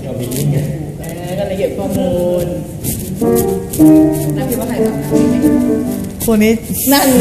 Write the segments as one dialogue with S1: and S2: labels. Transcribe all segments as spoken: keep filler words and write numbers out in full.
S1: เรามีนี่ไง
S2: ก็เลยเก็บข้อมูลนักคิดว่าใครทำนะ
S3: คนนี้
S2: นั่นไง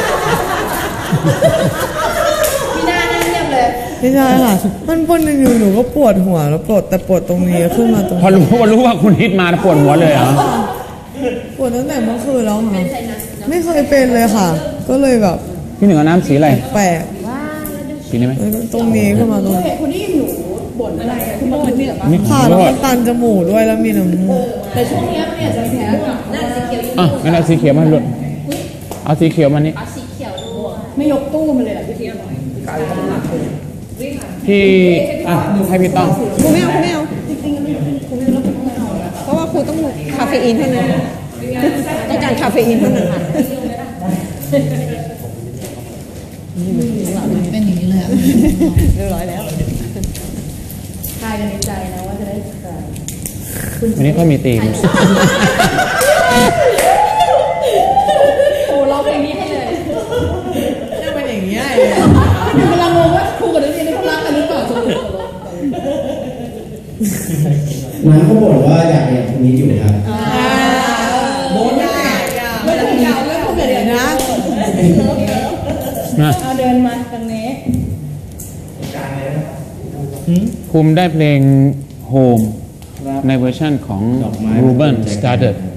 S2: พี่หน้านั่งเงียบเลย
S3: ไม่ใช่ค่ะมันปวดหนึ่งอยู่หนูก็ปวดหัวแล้วปวดแต่ปวดตรงนี้ขึ้นมาตรง
S4: พอรู้พอรู้ว่าคุณฮิตมาปวดหัวเลยเหรอ
S3: ปวดตั้งแต่เมื่อคืนแล้วค่ะไม่เคยเป็นเลยค่ะก็เลยแบบ
S4: พี่หนึ่งเอาน้ำสีอะไร
S3: แปลก
S4: สีนี้ไหม
S3: ตรงนี้ขึ้นมาตรงนี้
S2: คนนี้หนูบ่นอะไรคุณบ่นเนี่ย
S3: ค่ะแล้วมันตันจมูกด้วยแล้วมีน้ำมูก
S2: แต่ช่วงนี้เนี่ยจะแพ้กับหน้าสีเขียว
S4: อ่ะงั้นเอาสีเขียวมาหลุดเอาสีเขียวมานี่
S2: เอาสีเขียวด้วยไม่ยกตู้มาเลยหรอพี่เทียบ
S4: พี่อ่ะให้พี่ต้อง
S3: ครูไม่เอาครูไม่เอาเพราะว่าครูต้องคาเฟอีนเท่านั้นต้องการคาเฟอีนเท่านั้นค่ะ
S2: เป็นอย่างนี้เลย
S3: เรียบร้อยแล้ว
S2: ทายกันในใจนะว่าจะได้ใคร
S4: วันนี้เขามีธีม
S2: โอ้เราเพลงนี้ให้เลย
S3: น่าเป็นอย่างนี้เลย
S2: กำลังงงว่าครูกับนักเรียนเขารักกันหรือเปล่าสรุป
S1: น้องเขาบอกว่าอยากเรียนตรงนี้อยู่ครับ
S2: โน้ตได้ไม่ต้องยาวไม่ต้องเดี๋ยวนะเอาเดินมาตรงนี้
S4: ภูมิได้เพลง Home ในเวอร์ชั่นของ Ruben Studdard